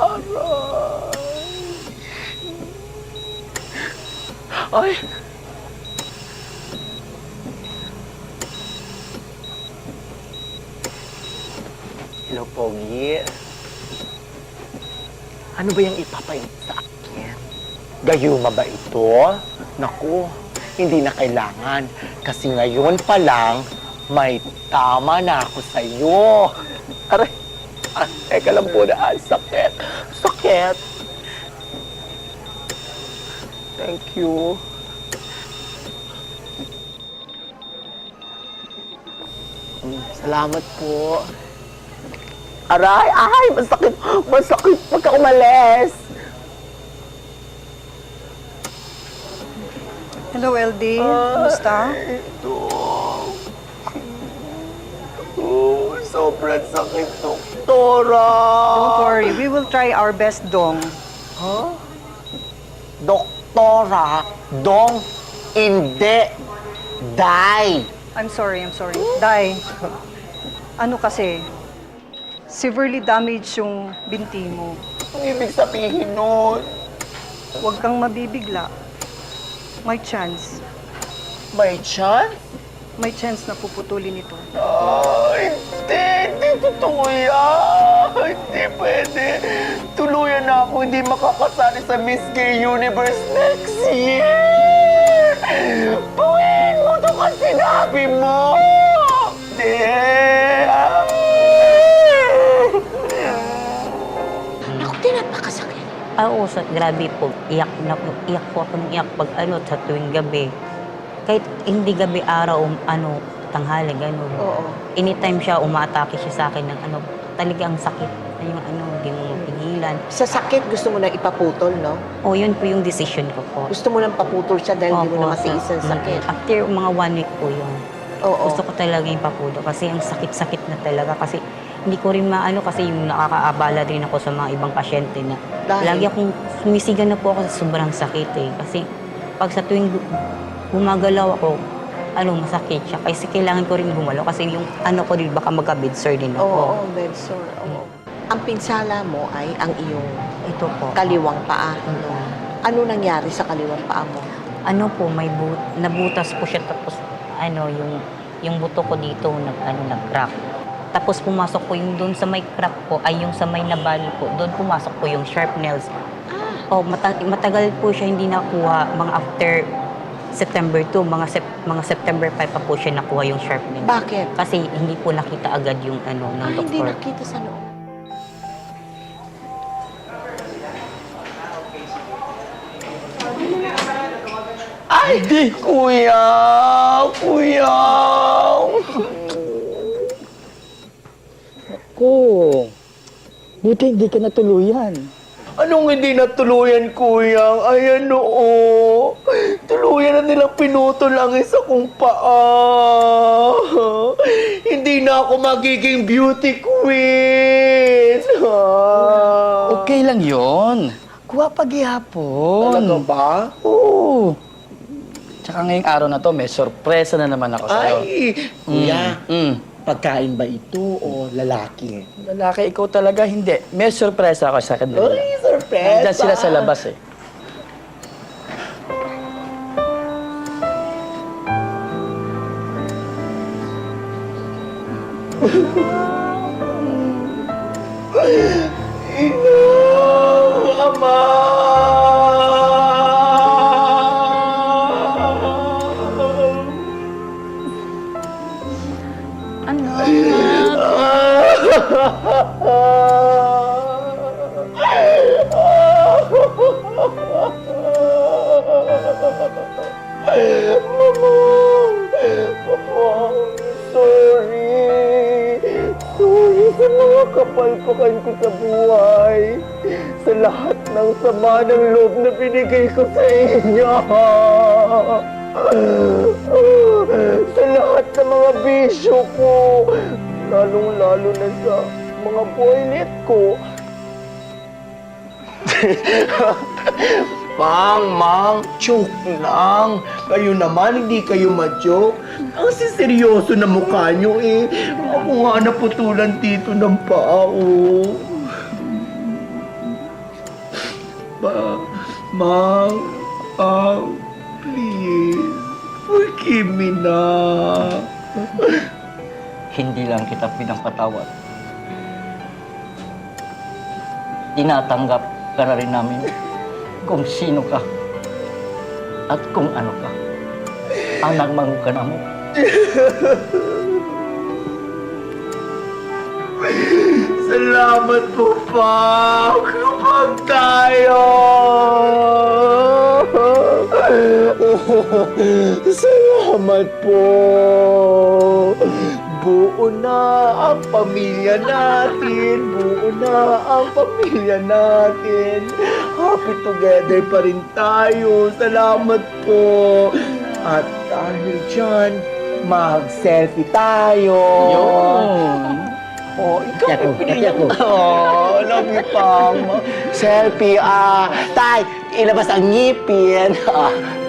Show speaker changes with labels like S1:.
S1: Ay! Hello, Pogi. Ano ba yung ipapait sa akin? Gayuma ba ito? Naku, hindi na kailangan. Kasi ngayon pa lang, may tama na ako sa'yo. Aray! Ah, teka lang po na. Ah, sakit. Sakit. Thank you. Salamat po. Aray! Ay! Masakit! Masakit pagka umalis!
S2: Hello, LD. Kumusta?
S1: Ito. Oh, sobrang sakit, doktora.
S2: Don't worry. We will try our best, Dong.
S1: Huh? Doktora, dong, hindi, die.
S2: I'm sorry. Dai, ano kasi, severely damaged yung binti mo.
S1: Ang ibig sabihin nun?
S2: Huwag kang mabibigla. May chance.
S1: May chance?
S2: May chance na puputulin ito.
S1: Hindi totoo yan. Hindi pwede. Tuluyan na ako hindi makakasali sa Miss Gay Universe next year. Buwin mo ito kasi sinabi mo. Hindi.
S3: Naku, napakasakit.
S4: Oo, grabe po. Iyak po ako ng iyak pag sa tuwing gabi. Kahit hindi gabi, araw, tanghali, gano'n.
S3: Oo.
S4: Anytime siya, umaatake siya sa akin ng talagang sakit. Yung hindi mo mapigilan.
S3: Sa sakit, gusto mo na ipaputol, no?
S4: O, yun po yung decision ko po.
S3: Gusto mo nang paputol siya dahil hindi mo na
S4: Opo,
S3: matiis ang sakit.
S4: After mga 1 week po yun.
S3: Oo.
S4: Gusto ko talaga yung papudo kasi ang sakit-sakit na talaga kasi hindi ko rin kasi yung nakakaabala rin ako sa mga ibang pasyente na
S3: Dahil?
S4: lagi akong sumisigan na po ako sa sobrang sakit eh. Kasi pag sa tuwing gumagalaw ako, masakit siya. Kasi kailangan ko rin gumalaw kasi yung ko rin baka magka-bed sore din ako.
S3: Oo, bed sore. Oo. Ang pinsala mo ay ang iyong
S4: Ito po.
S3: kaliwang paa.
S4: Oo.
S3: Ano nangyari sa kaliwang paa mo?
S4: Nabutas po siya tapos yung buto ko dito nag-crack. Tapos pumasok po yung doon sa may crack po, ay yung sa may nabali po, doon pumasok po yung sharp nails. Matagal po siya hindi nakuha, mga after September 2, mga September 5 pa po siya nakuha yung sharp nails.
S3: Bakit?
S4: Kasi hindi po nakita agad yung ng
S3: Hindi
S4: doktor.
S3: nakita sa loob.
S1: Ay, kuya! Kuya!
S5: Ko, buti hindi ka natuluyan.
S1: Anong hindi natuluyan, kuya? Ayan, oo. Tuluyan na nilang pinutol ang isa kong paa. Hindi na ako magiging beauty queen.
S5: Okay lang yon. Kuha paghihapon.
S1: Talaga ba?
S5: Oo. Tsaka ngayong araw na to, may sorpresa na naman ako sa'yo.
S1: Ay, kuya.
S5: Mm.
S1: Pagkain ba ito o lalaki?
S5: Lalaki, ikaw talaga hindi. May sorpresa ako sa kanila.
S1: Ay, surprise!
S5: Nandyan sila sa labas eh.
S1: Ina! Ama! Sorry sa mga kapalpakan ko sa buhay. Sa lahat ng sama ng loob na binigay ko sa inyo. Sa lahat ng mga bisyo ko. Lalong-lalo na sa mga boylet ko. Mang, joke lang. Kayo naman, hindi kayo ma-joke. Ang siseryoso na mukha nyo eh. Ako nga naputulan dito ng paa, oh.
S6: pa. Ma, please, forgive me na.
S5: Hindi lang kita pinapatawad. Tinatanggap ka na rin namin kung sino ka at kung ano ka. Anak ka na mo.
S6: Salamat po, pa. Kapag tayo.
S1: Salamat po. Buo na ang pamilya natin. Buo na ang pamilya natin. Happy together pa rin tayo. Salamat po. At dahil dyan, mag-selfie tayo.
S5: Yun.
S1: Oh, ikaw pinili mo. Oh, love you, Pam. Selfie, tay, ilabas ang ngipin.